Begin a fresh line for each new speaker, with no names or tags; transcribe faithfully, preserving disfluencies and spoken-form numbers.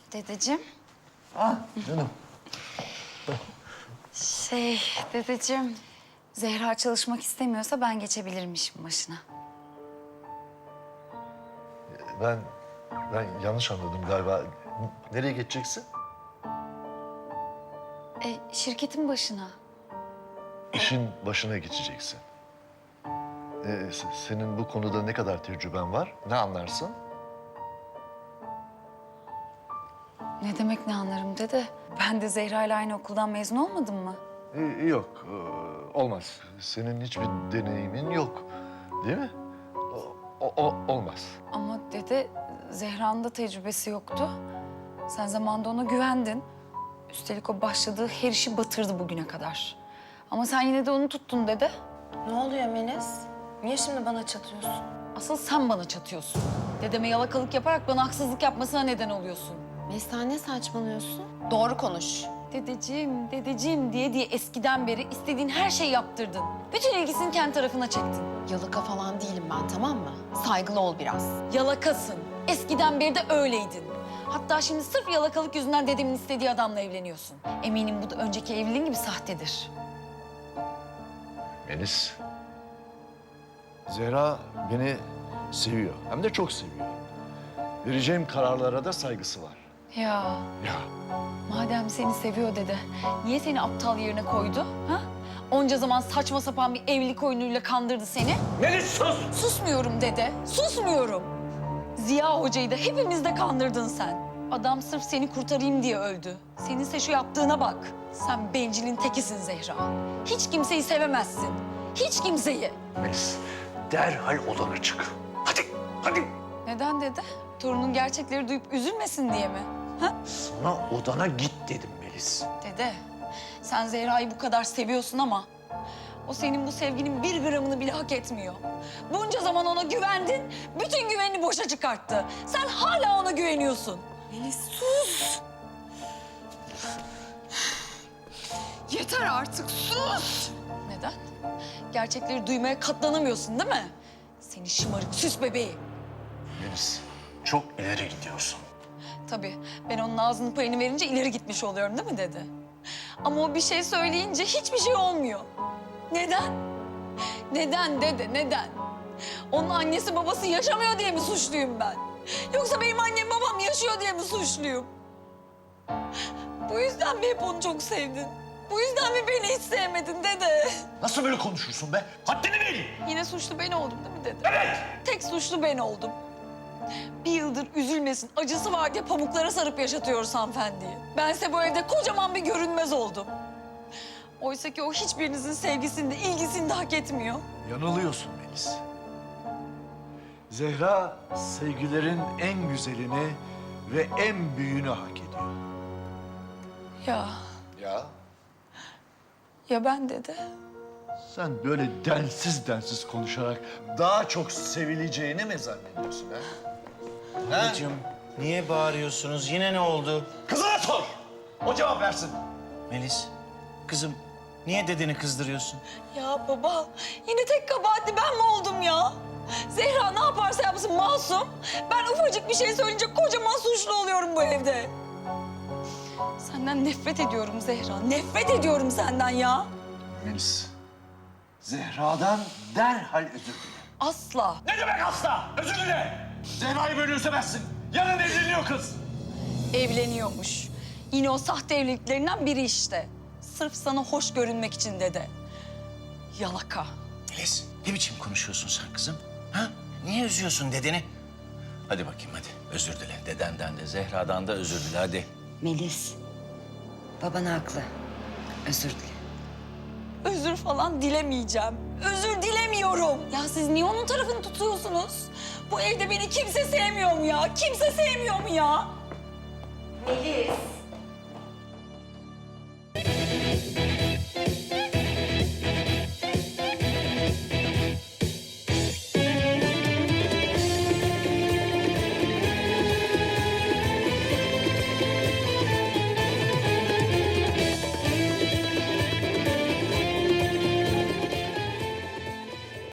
Dedeciğim.
Ah canım.
Şey dedeciğim, Zehra çalışmak istemiyorsa ben geçebilirim işin başına.
Ben ben yanlış anladım galiba. Nereye geçeceksin?
E, şirketin başına.
İşin başına geçeceksin. Ee, se- senin bu konuda ne kadar tecrüben var? Ne anlarsın?
Ne demek ne anlarım dede? Ben de Zehra ile aynı okuldan mezun olmadım mı?
Ee, yok, ee, olmaz. Senin hiçbir deneyimin yok, değil mi? O, o- o- olmaz.
Ama dede, Zehra'nın da tecrübesi yoktu. Sen zamanında ona güvendin. Üstelik o başladığı her işi batırdı bugüne kadar. Ama sen yine de onu tuttun dede.
Ne oluyor Melis? Niye şimdi bana çatıyorsun?
Asıl sen bana çatıyorsun. Dedeme yalakalık yaparak bana haksızlık yapmasına neden oluyorsun.
Melis sen ne saçmalıyorsun? Doğru konuş.
Dedeciğim, dedeciğim diye diye eskiden beri istediğin her şeyi yaptırdın. Bütün ilgisini kendi tarafına çektin.
Yalaka falan değilim ben, tamam mı? Saygılı ol biraz.
Yalakasın. Eskiden beri de öyleydin. Hatta şimdi sırf yalakalık yüzünden dedemin istediği adamla evleniyorsun. Eminim bu da önceki evliliğin gibi sahtedir.
Melis. Zehra beni seviyor. Hem de çok seviyor. Vereceğim kararlara da saygısı var.
Ya
Ya
madem seni seviyor dede, niye seni aptal yerine koydu? Ha? Onca zaman saçma sapan bir evlilik oyunuyla kandırdı seni.
Melis sus!
Susmuyorum dede, susmuyorum. Ziya Hoca'yı da hepimiz de kandırdın sen. Adam sırf seni kurtarayım diye öldü. Seninse şu yaptığına bak. Sen bencilin tekisin Zehra. Hiç kimseyi sevemezsin. Hiç kimseyi.
Melis, derhal odana çık. Hadi, hadi.
Neden dede? Torunun gerçekleri duyup üzülmesin diye mi? Ha?
Sana odana git dedim Melis.
Dede, sen Zehra'yı bu kadar seviyorsun ama o senin bu sevginin bir gramını bile hak etmiyor. Bunca zaman ona güvendin, bütün güvenini boşa çıkarttı. Sen hala ona güveniyorsun.
Melis sus! Yeter artık, sus!
Neden? Gerçekleri duymaya katlanamıyorsun değil mi? Seni şımarık süs bebeği.
Melis, çok ileri gidiyorsun.
Tabii ben onun ağzının payını verince ileri gitmiş oluyorum değil mi dede? Ama o bir şey söyleyince hiçbir şey olmuyor. Neden? Neden dede, neden? Onun annesi babası yaşamıyor diye mi suçluyum ben? Yoksa benim annem babam yaşıyor diye mi suçluyum? Bu yüzden mi hep onu çok sevdin? Bu yüzden mi beni hiç sevmedin dede?
Nasıl böyle konuşursun be? Haddini bil!
Yine suçlu ben oldum değil mi dede?
Evet!
Tek suçlu ben oldum. Bir yıldır üzülmesin, acısı var diye pamuklara sarıp yaşatıyoruz hanımefendiyi. Bense bu evde kocaman bir görünmez oldum. Oysa ki o hiçbirinizin sevgisini de ilgisini de hak etmiyor.
Yanılıyorsun Melis. Zehra sevgilerin en güzelini ve en büyüğünü hak ediyor.
Ya,
Ya?
ya ben dede.
Sen böyle densiz densiz konuşarak daha çok sevileceğini mi zannediyorsun ha? Ha?
Babacığım, niye bağırıyorsunuz? Yine ne oldu?
Kızına sor! O cevap versin.
Melis, kızım niye dedeni kızdırıyorsun?
Ya baba, yine tek kabahatli ben mi oldum ya? Zehra ne yaparsa yapsın masum. Ben ufacık bir şey söyleyince kocaman suçlu oluyorum bu evde. Senden nefret ediyorum Zehra, nefret ediyorum senden ya.
Melis, Zehra'dan derhal özür dile.
Asla.
Ne demek asla? Özür dile! Zehra'yı böyle üzemezsin. Yarın evleniyor kız.
Evleniyormuş. Yine o sahte evliliklerinden biri işte. Sırf sana hoş görünmek için dedi. Yalaka.
Melis, ne biçim konuşuyorsun sen kızım? Ha? Niye üzüyorsun dedeni? Hadi bakayım hadi, özür dile. Dedenden de Zehra'dan da özür dile hadi.
Melis, baban haklı. Özür dile.
Özür falan dilemeyeceğim. Özür dilemiyorum. Ya siz niye onun tarafını tutuyorsunuz? Bu evde beni kimse sevmiyor mu ya? Kimse sevmiyor mu ya?
Melis.